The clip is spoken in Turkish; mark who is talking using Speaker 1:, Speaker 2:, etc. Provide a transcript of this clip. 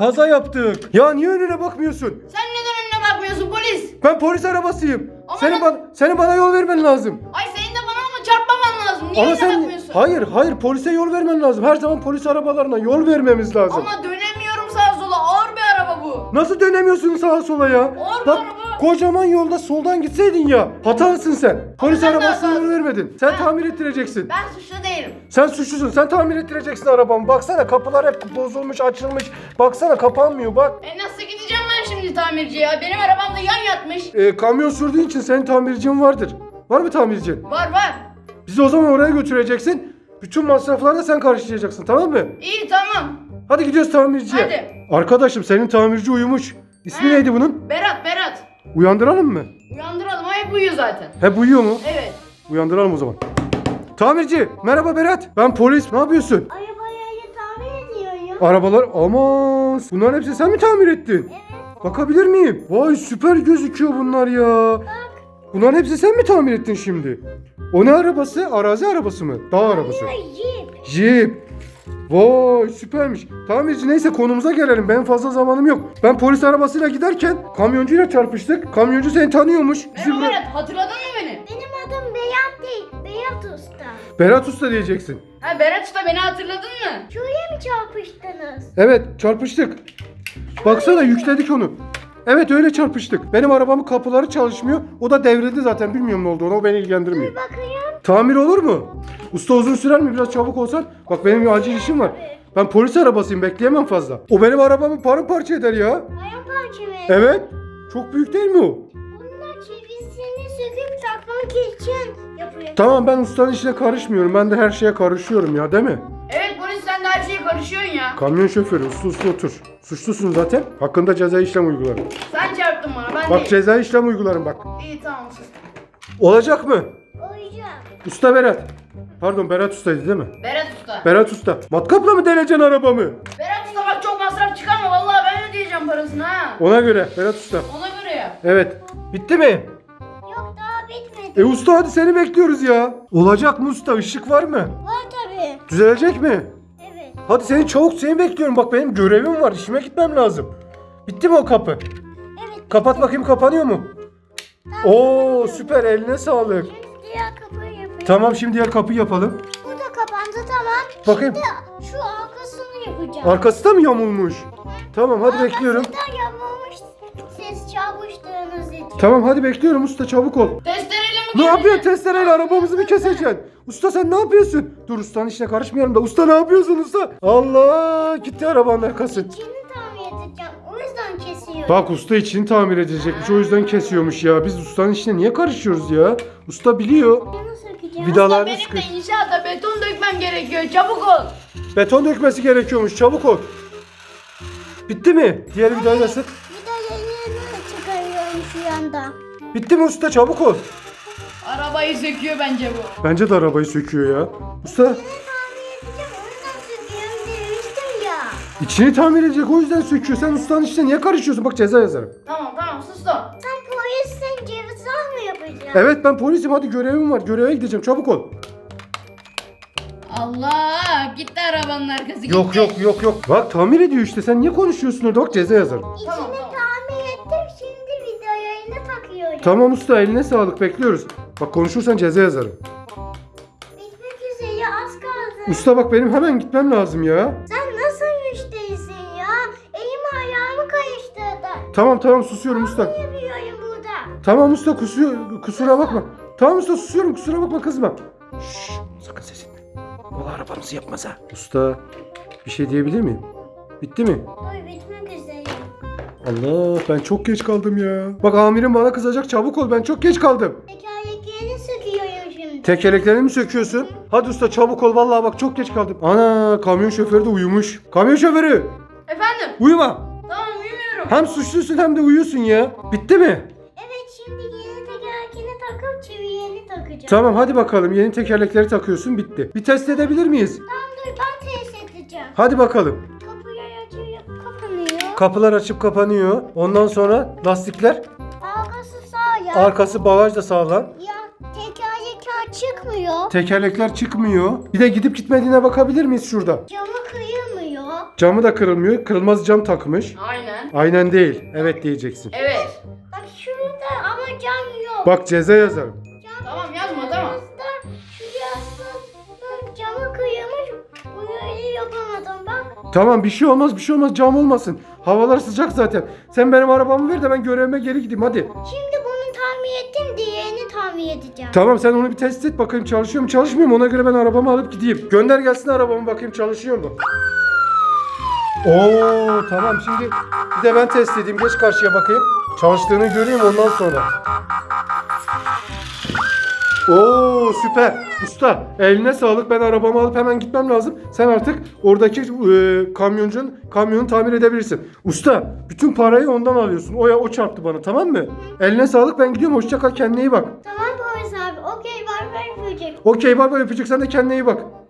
Speaker 1: kaza yaptık. Ya niye önüne bakmıyorsun?
Speaker 2: Sen neden önüne bakmıyorsun polis?
Speaker 1: Ben polis arabasıyım.
Speaker 2: Ama
Speaker 1: Senin bana yol vermen lazım.
Speaker 2: Ay senin de bana ama çarpmaman lazım. Niye
Speaker 1: Ama
Speaker 2: önüne bakmıyorsun?
Speaker 1: hayır polise yol vermen lazım. Her zaman polis arabalarına yol vermemiz lazım.
Speaker 2: Ama dönemiyorum sağa sola. Ağır bir araba bu.
Speaker 1: Nasıl dönemiyorsun sağa sola ya?
Speaker 2: Ağır bir
Speaker 1: Bak
Speaker 2: araba.
Speaker 1: kocaman yolda soldan gitseydin ya. Hatalısın sen. Polis
Speaker 2: sen de
Speaker 1: arabasına yol
Speaker 2: hatalısın.
Speaker 1: vermedin. Sen
Speaker 2: Ben-
Speaker 1: tamir ettireceksin.
Speaker 2: Ben suçlu değilim.
Speaker 1: Sen suçlusun. Sen tamir ettireceksin arabamı. Baksana kapılar hep bozulmuş, açılmış. Baksana kapanmıyor bak.
Speaker 2: Nasıl gideceğim ben şimdi tamirciye ya? Benim arabam da yan yatmış.
Speaker 1: Kamyon sürdüğün için senin tamircin vardır. Var mı tamircin?
Speaker 2: Var.
Speaker 1: Bizi o zaman oraya götüreceksin. Bütün masrafları da sen karşılayacaksın, tamam mı?
Speaker 2: İyi tamam.
Speaker 1: Hadi gidiyoruz tamirciye.
Speaker 2: Hadi.
Speaker 1: Arkadaşım senin tamirci uyumuş. İsmi
Speaker 2: He.
Speaker 1: neydi bunun?
Speaker 2: Berat.
Speaker 1: Uyandıralım mı?
Speaker 2: Uyandıralım. O hep uyuyor zaten.
Speaker 1: Hep uyuyor mu?
Speaker 2: Evet.
Speaker 1: Uyandıralım o zaman. Tamirci, merhaba Berat. Ben polis. Ne yapıyorsun?
Speaker 3: Arabayı tamir ediyorum.
Speaker 1: Arabalar, aman. Bunların hepsini sen mi tamir ettin?
Speaker 3: Evet.
Speaker 1: Bakabilir miyim? Vay süper gözüküyor bunlar ya. Bunların hepsini sen mi tamir ettin şimdi? O ne arabası? Arazi arabası mı? Dağ arabası.
Speaker 3: Jeep.
Speaker 1: Jeep. Vay süpermiş. Tamirci neyse konumuza gelelim. Benim fazla zamanım yok. Ben polis arabasıyla giderken kamyoncuyla çarpıştık. Kamyoncu seni tanıyormuş. Bizi
Speaker 2: Merhaba
Speaker 1: bıra-
Speaker 2: Berat. Hatırladın mı beni?
Speaker 3: Benim adım Beyat değil. Beyat Usta.
Speaker 1: Berat Usta diyeceksin.
Speaker 2: Ha Berat Usta beni hatırladın mı?
Speaker 3: Şuraya mı çarpıştınız?
Speaker 1: Evet çarpıştık. Baksana yükledik onu. Evet öyle çarpıştık. Benim arabamın kapıları çalışmıyor. O da devrildi zaten. Bilmiyorum ne olduğunu. O beni ilgilendirmiyor.
Speaker 3: Bakayım.
Speaker 1: Tamir olur mu? Usta uzun sürer mi? Biraz çabuk olsan. Bak benim bir acil işim var. Ben polis arabasıyım. Bekleyemem fazla. O benim arabamı paramparça eder ya.
Speaker 3: Paramparça mı?
Speaker 1: Evet. Çok büyük değil mi o?
Speaker 3: Bunlar çevisini söküp takmak için yapıyor.
Speaker 1: Tamam ben ustanın işine karışmıyorum. Ben de her şeye karışıyorum ya değil mi?
Speaker 2: Evet polis sen de her şeye karışıyorsun ya.
Speaker 1: Kamyon şoförü uslu otur. Suçlusun zaten. Hakkında ceza işlem uygularım.
Speaker 2: Sen çarptın bana ben
Speaker 1: Bak
Speaker 2: değil.
Speaker 1: ceza işlem uygularım bak.
Speaker 2: İyi tamam sus.
Speaker 1: Olacak mı?
Speaker 3: Oyacak.
Speaker 1: Usta Berat. Pardon Berat Usta'ydı değil mi?
Speaker 2: Berat Usta.
Speaker 1: Berat Usta. Matkapla mı deleceksin arabamı?
Speaker 2: Berat Usta bak çok masraf çıkarma vallahi ben ödeyeceğim parasını ha.
Speaker 1: Ona göre Berat Usta.
Speaker 2: Ona göre ya.
Speaker 1: Evet. Bitti mi?
Speaker 3: Yok daha bitmedi.
Speaker 1: Usta hadi seni bekliyoruz ya. Olacak mı usta? Işık var mı?
Speaker 3: Var tabii.
Speaker 1: Düzelecek mi?
Speaker 3: Evet.
Speaker 1: Hadi seni bekliyorum. Bak benim görevim var. İşime gitmem lazım. Bitti mi o kapı?
Speaker 3: Evet.
Speaker 1: Kapat bakayım kapanıyor mu? Oo süper eline sağlık.
Speaker 3: Şimdi diğer kapıyı yapayım.
Speaker 1: Tamam şimdi diğer kapıyı yapalım.
Speaker 3: Bu da kapandı tamam.
Speaker 1: Bakayım.
Speaker 3: Şimdi şu arkasını yapacağım.
Speaker 1: Arkası da mı yamulmuş? Tamam hadi bekliyorum.
Speaker 3: Arkası da yapılmış siz çarpıştığınız için.
Speaker 1: Tamam hadi bekliyorum usta çabuk ol.
Speaker 2: Testereyle mi
Speaker 1: Ne
Speaker 2: geldin?
Speaker 1: yapıyorsun testereyle arabamızı mı keseceksin? Usta sen ne yapıyorsun? Dur ustanın işine karışmayalım da. Usta ne yapıyorsun usta? Allah gitti arabanın arkası.
Speaker 3: İçini tamir edeceğim. O yüzden kesiyorum.
Speaker 1: Bak usta içini tamir edecekmiş o yüzden kesiyormuş ya. Biz ustanın işine niye karışıyoruz ya? Usta biliyor.
Speaker 3: Bunu sökeceğim.
Speaker 1: Vidalarını
Speaker 2: Benim
Speaker 1: sıkış.
Speaker 2: de inşaatta beton dökmem gerekiyor çabuk ol.
Speaker 1: Beton dökmesi gerekiyormuş çabuk ol. Bitti mi? Diğer vidayı da sık.
Speaker 3: Bir de yayını çıkarıyorum şu anda.
Speaker 1: Bitti mi usta çabuk ol.
Speaker 2: Arabayı söküyor bence bu.
Speaker 1: Bence de arabayı söküyor ya. Usta
Speaker 3: Bunu tamir edeceğim. O yüzden söküyorum demiştim ya.
Speaker 1: içini tamir edecek o yüzden söküyor. Sen ustanın işine niye karışıyorsun? Bak ceza yazarım.
Speaker 2: Tamam sus da.
Speaker 3: Sen polissin ceza mı yapacaksın?
Speaker 1: Evet ben polisim hadi görevim var. Göreve gideceğim çabuk ol.
Speaker 2: Allah gitti arabanın arkası gitti.
Speaker 1: Yok. Bak tamir ediyor işte. Sen niye konuşuyorsun orada? Bak ceza yazarım.
Speaker 2: Tamam,
Speaker 3: İçini
Speaker 2: tamam.
Speaker 3: tamir ettim. Şimdi video yayını takıyorum.
Speaker 1: Tamam usta eline sağlık bekliyoruz. Bak konuşursan ceza yazarım.
Speaker 3: Bitmek üzere az kaldı.
Speaker 1: Usta bak benim hemen gitmem lazım ya.
Speaker 3: Sen nasıl müşterisin ya? Elim ayağımı karıştırdı.
Speaker 1: Tamam susuyorum usta.
Speaker 3: Yapıyorum burada.
Speaker 1: Tamam usta kusura bakma. Tamam usta susuyorum kusura bakma kızma. Şşş sakın ses etme. Valla arabamızı yapmaz ha. Usta bir şey diyebilir miyim? Bitti mi?
Speaker 3: Dur bitmek üzere.
Speaker 1: Allah ben çok geç kaldım ya. Bak amirim bana kızacak çabuk ol ben çok geç kaldım.
Speaker 3: Tekerleklerini söküyorum şimdi.
Speaker 1: Tekerleklerini mi söküyorsun? Hadi usta çabuk ol vallahi bak çok geç kaldım. Ana kamyon şoförü de uyumuş. Kamyon şoförü
Speaker 2: Efendim?
Speaker 1: uyuma.
Speaker 2: Tamam uyumuyorum.
Speaker 1: Hem suçlusun hem de uyuyorsun ya. Bitti mi?
Speaker 3: Evet şimdi yeni tekerlekini takıp çiviğini takacağım.
Speaker 1: Tamam hadi bakalım yeni tekerlekleri takıyorsun bitti. Bir test edebilir miyiz?
Speaker 3: Tamam dur ben test edeceğim.
Speaker 1: Hadi bakalım.
Speaker 3: Kapıyı açıyor kapanıyor.
Speaker 1: Kapılar açıp kapanıyor. Ondan sonra lastikler.
Speaker 3: Arkası sağ ya.
Speaker 1: Arkası bagaj da sağlam.
Speaker 3: Ya tekerlekler çıkmıyor.
Speaker 1: Tekerlekler çıkmıyor. Bir de gidip gitmediğine bakabilir miyiz şurada?
Speaker 3: Camı kıyamıyor.
Speaker 1: Camı da kırılmıyor. Kırılmaz cam takmış.
Speaker 2: Aynen.
Speaker 1: Aynen değil. Evet diyeceksin.
Speaker 2: Evet.
Speaker 3: Bak şurada ama cam yok.
Speaker 1: Bak ceza yazarım.
Speaker 2: Tamam yazma tamam.
Speaker 3: Şurası camı kıyılmış. Bunu yapamadım bak.
Speaker 1: Tamam bir şey olmaz bir şey olmaz cam olmasın. Havalar sıcak zaten. Sen benim arabamı ver de ben görevime geri gideyim hadi.
Speaker 3: Şimdi bunu tamir ettim, diğerini tamir edeceğim.
Speaker 1: Tamam sen onu bir test et bakayım çalışıyor mu çalışmıyor mu ona göre ben arabamı alıp gideyim. Gönder gelsin arabamı bakayım çalışıyor mu? Oo tamam şimdi bir de ben test edeyim geç karşıya bakayım. Çalıştığını göreyim ondan sonra. Oo süper. Usta eline sağlık ben arabamı alıp hemen gitmem lazım. Sen artık oradaki kamyonu tamir edebilirsin. Usta bütün parayı ondan alıyorsun. O çarptı bana tamam mı? Eline sağlık ben gidiyorum hoşça kal kendine iyi bak.
Speaker 3: Tamam polis abi. Okey, var öpecek.
Speaker 1: Okey bay bay öpücük sen de kendine iyi bak.